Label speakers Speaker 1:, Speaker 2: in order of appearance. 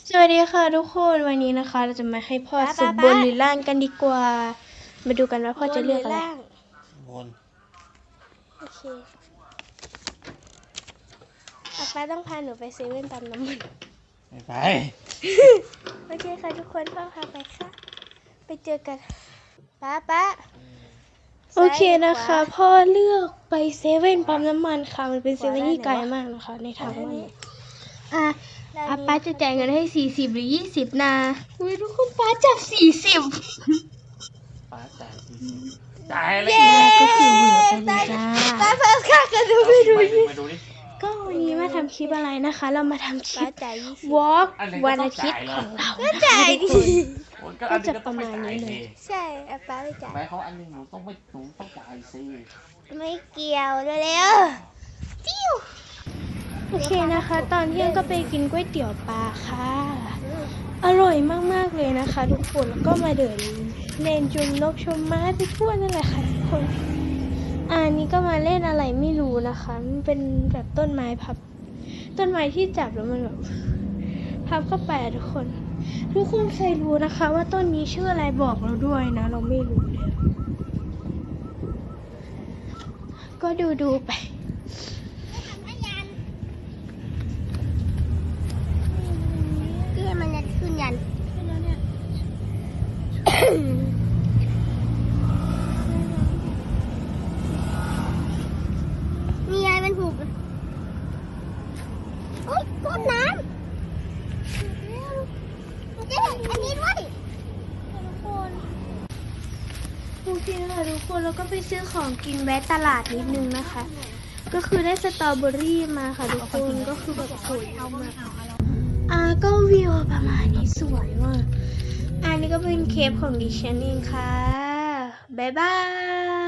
Speaker 1: สวัสดีค่ะทุกคนวันนี้นะคะเราจะมาให้พ่อสุดบนหรือล่างกันดีกว่ามาดูกันว่าพ่อจะเลือกอะไร
Speaker 2: บน
Speaker 1: โอเคป้าต้องพาหนูไปเซเว่นปั๊มน้ำมัน
Speaker 2: ไม่ไป
Speaker 1: โอเคค่ะทุกคนพ่อพาไปค่ะไปเจอกันป้าโอเคนะคะพ่อเลือกไปเซเว่นปั๊มน้ำมันค่ะมันเป็นเซเว่นที่ไกลมากนะคะในทางว่าป้าจะจ่ายเงินให้40หรือ20นะอุ้ยทุกคนป้าจับ40
Speaker 2: ป้าจ่าย40จ่ายเลย
Speaker 1: ก็คือเหลือไปเลยจ้าป้าค่ากันดูไม่ดู
Speaker 2: ดิ
Speaker 1: ก็วันนี้มาทำคลิปอะไรนะคะเรามาทำคลิปวอล์กวันอาทิตย์ของเราก็จ่ายดิก็จะประมาณนี้เลยใช่ป้าไม่จ่าย
Speaker 2: ไม่เขาอันนึงหนูต้องจ่ายสิ
Speaker 1: ไม่เกี่ยวเร็วๆจิ้วโอเคนะคะตอนเที่ยงก็ไปกินก๋วยเตี๋ยวปลาค่ะอร่อยมากๆเลยนะคะทุกคนแล้วก็มาเดินเล่นจุมนกชมไม้ไปทั่วนั่นแหละค่ะทุกคนอันนี้ก็มาเล่นอะไรไม่รู้นะคะมันเป็นแบบต้นไม้พับต้นไม้ที่จับแล้วมันแบบพับเข้าไปทุกคนเคยรู้นะคะว่าต้นนี้ชื่ออะไรบอกเราด้วยนะเราไม่รู้เลยก็ดูไป
Speaker 3: มันจะขึ้นยันนี่ไงมันผูกโอ๊ยก้นน้ำเจ๊อันนี้ด้วยทุกคน
Speaker 1: โอเคค่ะทุกคนแล้วก็ไปซื้อของกินแวะตลาดนิดนึงนะคะก็คือได้สตรอเบอรี่มาค่ะทุกคนก็คือแบบสวยมากก็วิวประมาณนี้สวยมากอันนี้ก็เป็นเคปของดิฉันเองค่ะบ๊ายบาย